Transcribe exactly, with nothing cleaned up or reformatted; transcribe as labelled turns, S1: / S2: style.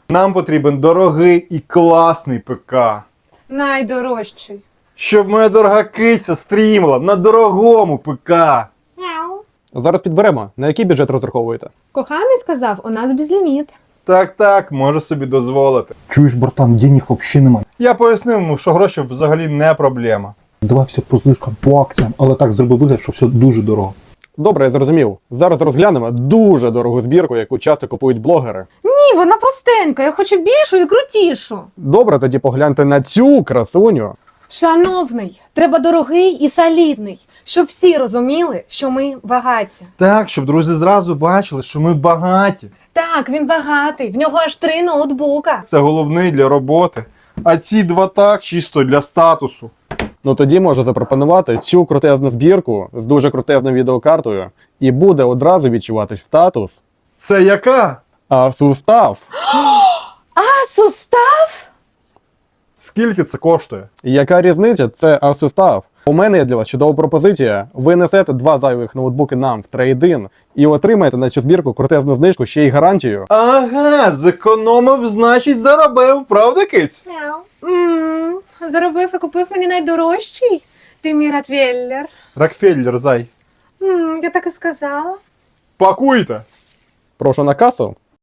S1: Нам потрібен дорогий і класний ПК.
S2: Найдорожчий.
S1: Щоб моя дорога киця стрімила на дорогому ПК.
S3: Зараз підберемо. На який бюджет розраховуєте?
S2: Коханий сказав, у нас безліміт.
S1: Так-так, можу собі дозволити.
S4: Чуєш, братан, денег взагалі немає.
S1: Я пояснив йому, що гроші взагалі не проблема.
S4: Давай все по знижкам, по акціям, але так зроби вигляд, що все дуже дорого.
S3: Добре, я зрозумів. Зараз розглянемо дуже дорогу збірку, яку часто купують блогери.
S2: Ні, вона простенька, я хочу більшу і крутішу.
S3: Добре, тоді погляньте на цю красуню.
S2: Шановний, треба дорогий і солідний, щоб всі розуміли, що ми багаті.
S1: Так, щоб друзі зразу бачили, що ми багаті.
S2: Так, він багатий, в нього аж три ноутбука.
S1: Це головний для роботи. А ці два так чисто для статусу.
S3: Ну тоді можу запропонувати цю крутезну збірку з дуже крутезною відеокартою, і буде одразу відчуватись статус.
S1: Це яка?
S3: А сустав,
S2: А, сустав?
S1: Скільки це коштує?
S3: яка різниця? Це асустав. У мене є для вас чудова пропозиція. Ви несете два зайвих ноутбуки нам в трейд-ін і отримаєте на цю збірку крутезну знижку, ще й гарантію.
S1: Ага, зекономив, значить заробив, правда, киць?
S2: Ммм, заробив і купив мені найдорожчий. Ти мій Ротвейлер.
S1: Рокфеллер, зай.
S2: Ммм, я так і сказала.
S1: Пакуйте!
S3: Прошу на касу.